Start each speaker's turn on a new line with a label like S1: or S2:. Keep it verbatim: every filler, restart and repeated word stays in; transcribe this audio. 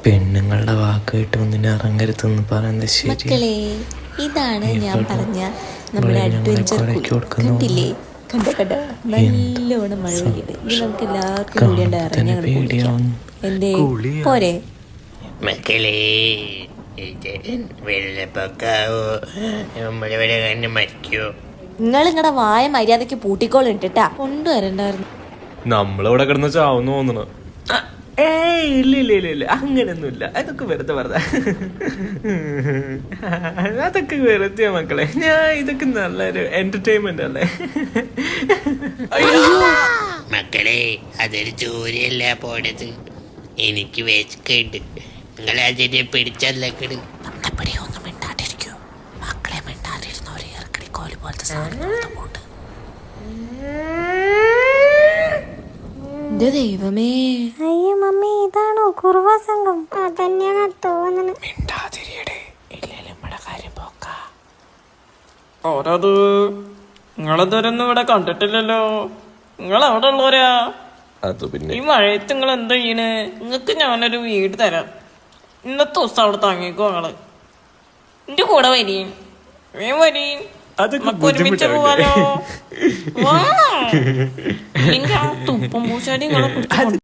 S1: പെണ്ണുങ്ങളുടെ വാക്ക് കേട്ട് ഒന്നിനെ ഇറങ്ങരുതെന്ന് പറയുന്നത് ശരി.
S2: മക്കളെ, ഇതാണ് ഞാൻ പറഞ്ഞ നമ്മുടെ അഡ്വഞ്ചർ കണ്ടില്ലേ? കണ്ട കണ്ട നല്ലോണം മഴ പെയ്യുന്നുണ്ട്. ഇനി നമുക്ക് എല്ലാവർക്കും കൂടി ഇറങ്ങി എന്തേ പോരെ
S3: മക്കളെ? വെള്ളപ്പൊക്കാവോ? നമ്മളിവിടെ കണ്ട് മരിക്കോ?
S2: നിങ്ങൾ നിങ്ങളുടെ വായ മര്യാദക്ക് പൂട്ടിക്കോളിട്ടാ കൊണ്ടുവരണ്ടായിരുന്നു.
S1: നമ്മളിവിടെ കിടന്ന് ചാവുന്നു തോന്നണ. ഏയ് ഇല്ല ഇല്ല ഇല്ല ഇല്ല അങ്ങനെയൊന്നുമില്ല. അതൊക്കെ വെറുതെ വെറുതെ അതൊക്കെ വെറുതെ മക്കളെ. ഞാൻ ഇതൊക്കെ നല്ലൊരു എന്റർടൈൻമെന്റ് അല്ലേ
S3: മക്കളെ, അതൊരു ജോലിയല്ല പോണത്. എനിക്ക് വിശക്കുണ്ട്. നിങ്ങൾ അതിനെ പിടിച്ചല്ലക്കട്.
S2: ഒന്നും മിണ്ടാണ്ടിരിക്കൂ മക്കളെ. മിണ്ടാണ്ടിരുന്നവരെ ഇറക്കടി കോലി പോലത്തെ സാധനം. എന്റെ ദൈവമേ,
S4: അയ്യോ മമ്മി, ഇതാണോ കുറുവ സംഘം? അതന്നെയാണ് തോന്നുന്നത്.
S5: ഓരോത് നിങ്ങളിതുവരൊന്നും ഇവിടെ കണ്ടിട്ടില്ലല്ലോ. നിങ്ങൾ അവിടെ ഉള്ളവരാ? ഈ മഴയത്ത് നിങ്ങൾ എന്താ ചെയ്യണ്? നിങ്ങക്ക് ഞാനൊരു വീട് തരാം. ഇന്നത്തെ ദിവസം അവിടെ താങ്ങിക്കോ. നിങ്ങള് എന്റെ കൂടെ വരീൻ, വേം വരീൻ. നമുക്ക് ഒരുമിച്ച് പോവാലോ. തുപ്പം പൂച്ചാടി നിങ്ങളെ